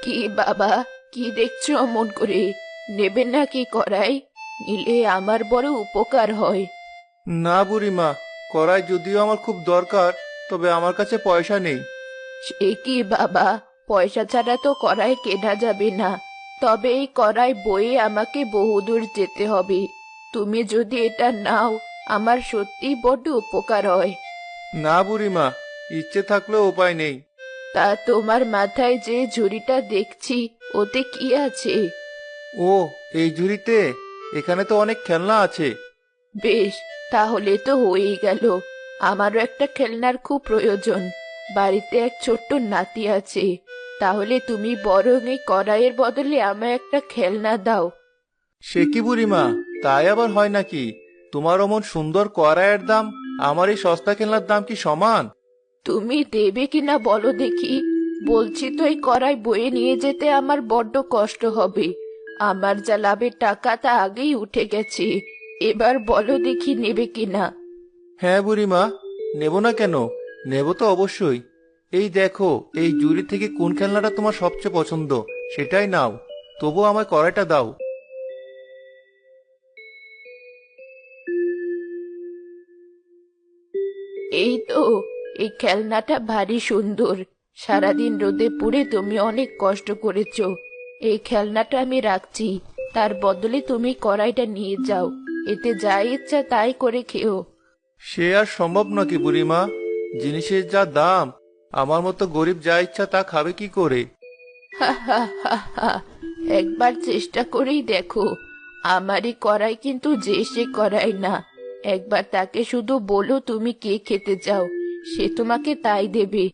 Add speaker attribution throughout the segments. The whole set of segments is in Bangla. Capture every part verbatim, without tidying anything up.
Speaker 1: কি বাবা, কি দেখছো অমন করে? নেবে নাকি কড়াই? নিলে আমার বড় উপকার হয়।
Speaker 2: না বুড়িমা, কড়াই যদিও আমার খুব দরকার, তবে আমার কাছে পয়সা নেই।
Speaker 1: সে কি বাবা, পয়সা ছাড়া তো কড়াই কেনা যাবে না। তবে এই কড়াই বয়ে আমাকে বহুদূর যেতে হবে। তুমি যদি এটা নাও, আমার সত্যি বড্ড উপকার হয়।
Speaker 2: না বুড়িমা, ইচ্ছে থাকলেও উপায় নেই।
Speaker 1: তা তোমার মাথায় যে ঝুড়িটা দেখছি, ওতে কি আছে?
Speaker 2: ও, এই ঝুড়িতে? এখানে তো অনেক খেলনা আছে।
Speaker 1: বেশ, তাহলে তো হয়েই গেল। আমারও একটা খেলনার খুব প্রয়োজন। বাড়িতে এক ছোট্ট নাতি আছে। তাহলে তুমি বরং এই কড়াইয়ের বদলে আমায় একটা খেলনা দাও।
Speaker 2: সে কি বুড়িমা, তাই আবার হয় নাকি? তোমার অমন সুন্দর কড়াইয়ের দাম আমার এই সস্তা খেলনার দাম কি সমান?
Speaker 1: তুমি দেবে কিনা বলো দেখি। বলছি তো, এই কড়াই বয়ে নিয়ে যেতে আমার বড্ড কষ্ট হবে। আমার যা লাভের টাকা তা আগেই উঠে গেছে। এবার বলো দেখি, নেবে কিনা।
Speaker 2: হ্যাঁ বুড়িমা, নেব না কেন? নেব তো অবশ্যই। এই দেখো, এই ঝুড়ি থেকে কোন খেলনাটা তোমার সবচেয়ে পছন্দ সেটাই নাও। তবু আমায় কড়াইটা দাও।
Speaker 1: এই তো, এই খেলনাটা ভারী সুন্দর। সারাদিন রোদে পুড়ে তুমি অনেক কষ্ট করেছো। এই খেলনাটা আমি রাখছি। তার বদলে তুমি কড়াইটা নিয়ে যাও। এতে যা ইচ্ছা তাই করে খেও।
Speaker 2: সে আর সম্ভব নাকি বুড়িমা? জিনিসের যা দাম, আমার মতো গরিব যা ইচ্ছা তা খাবে কি করে?
Speaker 1: হা হা হা হা। একবার চেষ্টা করেই দেখো। আমারই কড়াই কিন্তু যে সে কড়াই না। একবার তাকে শুধু বলো তুমি কে খেতে চাও, সে তোমাকে তাই দেবে।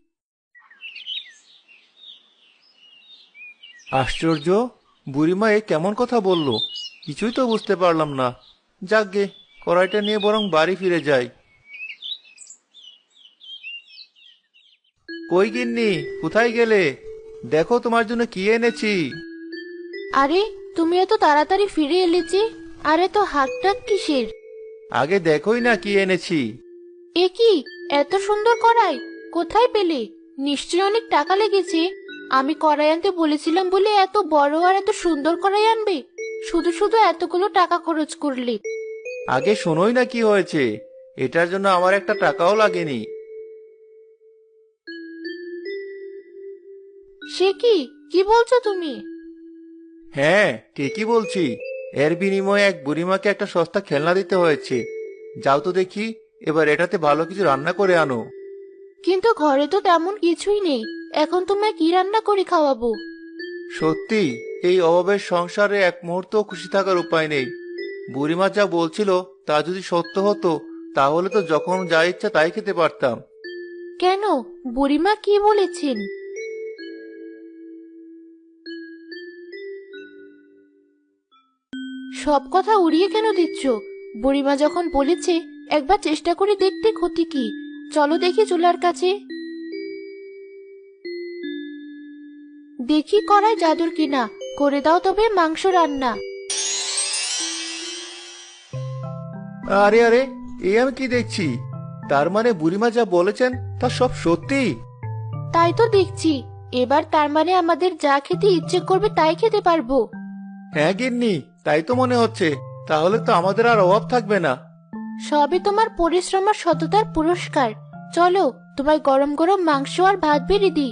Speaker 2: আশ্চর্য, বুড়িমা এ কেমন কথা বললো? কিছুই তো বুঝতে পারলাম না। যাকগে, কড়াইটা নিয়ে বরং বাড়ি ফিরে যাই। কই গিন্নি, কোথায় গেলে? দেখো তোমার জন্য কি এনেছি।
Speaker 1: আরে, তুমি এত তাড়াতাড়ি ফিরে এলে যে? আরে, তো হাক ডাক কিসের?
Speaker 2: আগে দেখোই না কি এনেছি।
Speaker 1: এ কি, এত সুন্দর কড়াই কোথায় পেলে? নিশ্চয়ই অনেক টাকা লেগেছে। আমি কড়াই আনতে বলেছিলাম বলে এত বড় আর এত সুন্দর কড়াই আনবে? শুধু শুধু এতগুলো টাকা খরচ করলে।
Speaker 2: আগে শোনোই না কি হয়েছে। এটার জন্য আমার একটা টাকাও লাগেনি।
Speaker 1: সে কি, কি বলছো তুমি?
Speaker 2: হ্যাঁ, ঠিকই বলছি। এর বিনিময়ে এক বুড়িমাকে একটা সস্তা খেলনা দিতে হয়েছে। যাও তো দেখি, এবার এটাতে ভালো কিছু রান্না করে আনো।
Speaker 1: কিন্তু ঘরে তো তেমন কিছুই নেই। এখন তোমায় কি রান্না করে খাওয়াবো?
Speaker 2: সত্যি, এই অভাবের সংসারে এক মুহূর্ত খুশি থাকার উপায় নেই। বুড়িমা যা বলছিল তা যদি সত্য হতো, তাহলে তো যখন যা ইচ্ছা তাই খেতে পারতাম।
Speaker 1: কেন, বুড়িমা কি বলেছেন? সব কথা উড়িয়ে কেন দিচ্ছ? বুড়িমা যখন বলেছে, একবার চেষ্টা করে দেখতে ক্ষতি কি? চলো দেখি চুলার কাছে। দেখি কড়াই জাদুর কিনা। করে দাও তবে মাংস রান্না।
Speaker 2: আরে আরে, এই আমি কি দেখছি? তার মানে বুড়িমা যা বলেছেন তা সব সত্যি?
Speaker 1: তাই তো দেখছি। এবার তার মানে আমাদের যা খেতে ইচ্ছে করবে তাই খেতে পারবো।
Speaker 2: হ্যাঁ গিন্নি, তাই তো মনে হচ্ছে। তাহলে তো আমাদের আর অভাব থাকবে না।
Speaker 1: সবই তোমার পরিশ্রম আর সততার পুরস্কার। চলো, তোমায় গরম গরম মাংস আর ভাত বেড়ে দিই।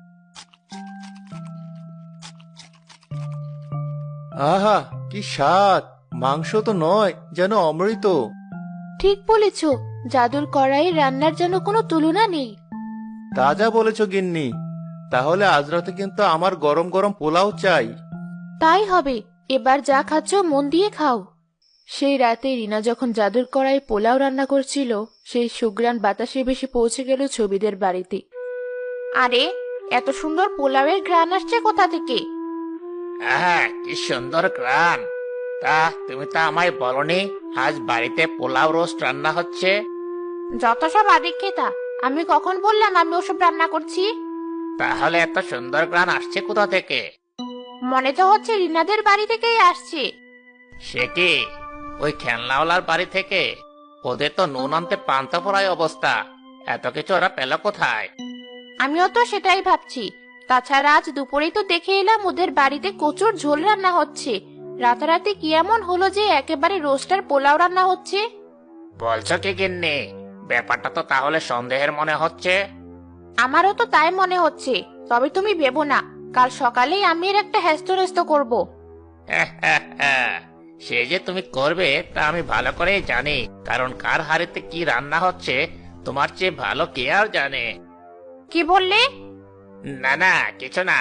Speaker 2: আহা, কি স্বাদ! মাংস তো নয়, যেন অমৃত।
Speaker 1: ঠিক বলেছ। জাদুর কড়াইয়ে রান্নার যেন কোনো তুলনা নেই।
Speaker 2: তা যা বলেছ গিন্নি। তাহলে আজ রাতে কিন্তু আমার গরম গরম পোলাও চাই।
Speaker 1: তাই হবে। এবার যা খাচ্ছ মন দিয়ে খাও। সেই রাতে রিনা যখন জাদুর কড়াই পোলাও রান্না করছিল, সেই সুঘ্রাণ বাতাসে ভেসে পৌঁছে গেল ছবিদের বাড়িতে। আরে, এত সুন্দর পোলাওয়ের ঘ্রাণ আসছে কোথা থেকে?
Speaker 3: আহা, কি সুন্দর গ্রান! তা তুমি তো আমায় বলনি আজ বাড়িতে পোলাও রোস্ট রান্না হচ্ছে?
Speaker 1: যত সব আদিক্ষেতা, আমি কখন বললাম আমি ওসব রান্না করছি?
Speaker 3: তাহলে এত সুন্দর গ্রান আসছে কোথা থেকে?
Speaker 1: মনে তো হচ্ছে রিনাদের বাড়ি থেকেই আসছে।
Speaker 3: সে কি, ওই খেলনাওয়ালার বাড়ি থেকে? ওদের তো নুন আনতে পান্তা ফোড়ায় অবস্থা। এত কিছু ওরা পেল কোথায়?
Speaker 1: আমিও তো সেটাই ভাবছি। তাছাড়া আজ দুপুরেই তো দেখে এলাম ওদের বাড়িতে কচুর ঝোল রান্না হচ্ছে। রাতারাতি কি এমন হলো যে একেবারে রোস্টার পোলাও রান্না হচ্ছে?
Speaker 3: বলছো কি গিন্নি? ব্যাপারটা তো তাহলে সন্দেহের মনে হচ্ছে।
Speaker 1: আমারও তো তাই মনে হচ্ছে। তবে তুমি ভেবো না, কাল সকালেই আমি এর একটা হ্যাস্ত করব।
Speaker 3: সে যে তুমি করবে তা আমি ভালো করেই জানি, কারণ কার হাড়িতে কি রান্না হচ্ছে তোমার চেয়ে ভালো কে আর জানে।
Speaker 1: কি বললে?
Speaker 3: না না, কিছু না।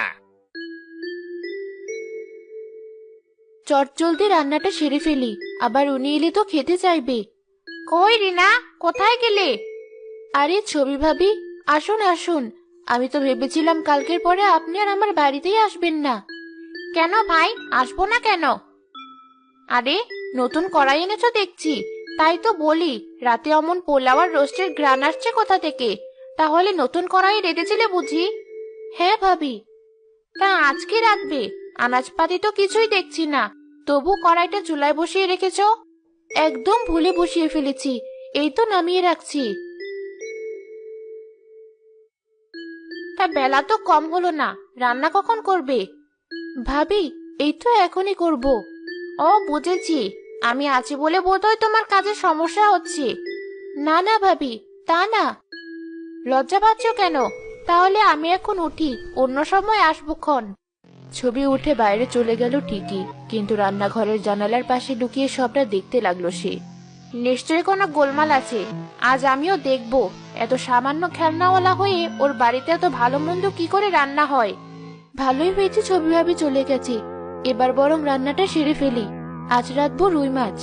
Speaker 1: চটজলদি রান্নাটা সেরে ফেলি, আবার উনি এলে তো খেতে চাইবে। কই রিনা, কোথায় গেলে? আরে ছবি ভাবি, আসুন আসুন। আমি তো ভেবেছিলাম কালকের পরে আপনি আর আমার বাড়িতেই আসবেন না। কেন ভাই, আসবো না কেন? আরে নতুন কড়াই এনেছো দেখছি, তাই তো বলি রাতে অমন পোলাও আর রোস্টের ঘ্রাণ আসছে কোথা থেকে? তাহলে নতুন কড়াই রেঁধেছিলে বুঝি? হ্যাঁ ভাবি। তা আজকে রাখবে? আনাজপাতি তো কিছুই দেখছি না, তবু কড়াইটা চুলায় বসিয়ে রেখেছো। একদম ভুলে বসিয়ে ফেলেছি, এই তো নামিয়ে রাখছি। তা বেলা তো কম হলো না, রান্না কখন করবে? ভাবি, এই তো এখনই করব। ও বুঝেছি, আমি আছি বলে বোধহয় তোমার কাজে সমস্যা হচ্ছে। না না ভাবি, তা না। লজ্জা পাচ্ছ কেন? তাহলে আমি এখন উঠি, অন্য সময় আসবক্ষণ। ছবি উঠে বাইরে চলে গেল ঠিকই, কিন্তু রান্নাঘরের জানালার পাশে লুকিয়ে সবটা দেখতে লাগলো সে। নিশ্চয়ই কোনো গোলমাল আছে, আজ আমিও দেখব এত সামান্য খেলনাওয়ালা হয়ে ওর বাড়িতে এত ভালো মন্দ কি করে রান্না হয়। ভালোই হয়েছে ছবি ভাবি চলে গেছে, এবার বরং রান্নাটা সেরে ফেলি। আজ রাঁধবো রুই মাছ।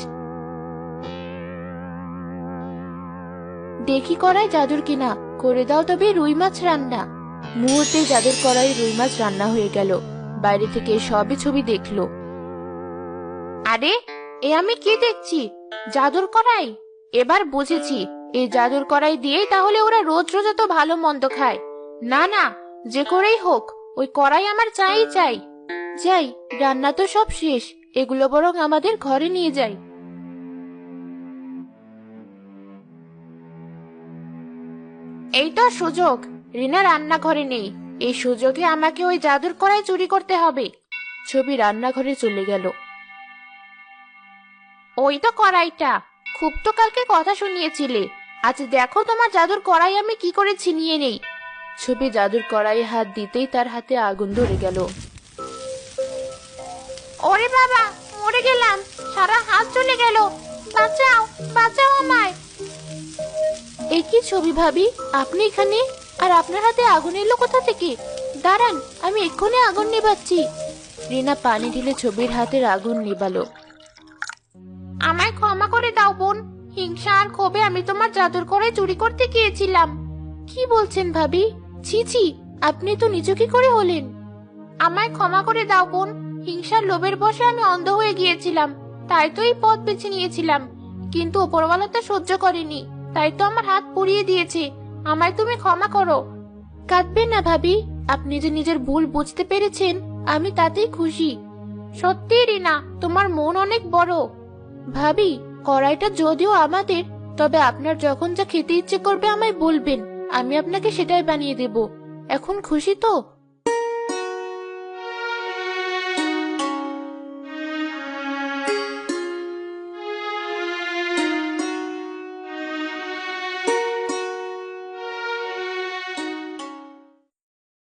Speaker 1: দেখি কড়াই জাদুর কিনা, করে দাও তবে রুই মাছ রান্না। মুহূর্তে জাদুর কড়াই রুই মাছ রান্না হয়ে গেল। বাইরে থেকে সবই ছবি দেখলো। আরে এ আমি কি দেখছি? জাদুর কড়াই! এবার বুঝেছি, এই জাদুর কড়াই দিয়েই তাহলে ওরা রোজ রোজ এত ভালো মন্দ খায়। না না, যে করেই হোক ওই কড়াই আমার চাই চাই। যাই, রান্না তো সব শেষ, এগুলো বরং আমাদের ঘরে নিয়ে যাই। এই তো সুযোগ, রিনা রান্নাঘরে নেই, এই সুযোগে আমাকে ওই জাদুর কড়াই চুরি করতে হবে। ছবি রান্নাঘরে চলে গেল। ওই তো কড়াইটা, খুব তো কালকে কথা শুনিয়েছিলে, আজ দেখো তোমার জাদুর কড়াই আমি কি করে ছিনিয়ে নেই। ছবি জাদুর কড়াইয়ে হাত দিতেই তার হাতে আগুন ধরে গেল। ওরে বাবা, মরে গেলাম, সারা হাত চলে গেল, বাঁচাও বাঁচাও আমায়। এই কি ছবি ভাবি, আপনি এখানে? আর আপনার হাতে আগুন এলো কোথা থেকে? দাঁড়ান, আমি এক্ষুনি আগুন নিভাচ্ছি। রিনা পানি ঢেলে ছবির হাতের আগুন নিভালো। আমায় ক্ষমা করে দাও বোন, হিংসা আর ক্ষোভে আমি তোমার জাদুর কড়াই চুরি করতে গিয়েছিলাম। কি বলছেন ভাবি? ছি ছি, আপনি তো নিচু কি করে হলেন? আমায় ক্ষমা করে দাও বোন, হিংসার লোভের বশে আমি অন্ধ হয়ে গিয়েছিলাম, তাই তো এই পথ বেছে নিয়েছিলাম। কিন্তু উপরওয়ালা তো সহ্য করেনি, তাই তো আমার হাত পুড়িয়ে দিয়েছে। আমায় তুমি ক্ষমা করো। কাঁদবেন না ভাবি, আপনি যে নিজের ভুল বুঝতে পেরেছেন, আমি তাতেই খুশি। সত্যি রিনা, তোমার মন অনেক বড়। ভাবি, কড়াইটা যদিও আমাদের, তবে আপনার যখন যা খেতে ইচ্ছে করবে আমায় বলবেন, আমি আপনাকে সেটাই বানিয়ে দেব। এখন খুশি তো?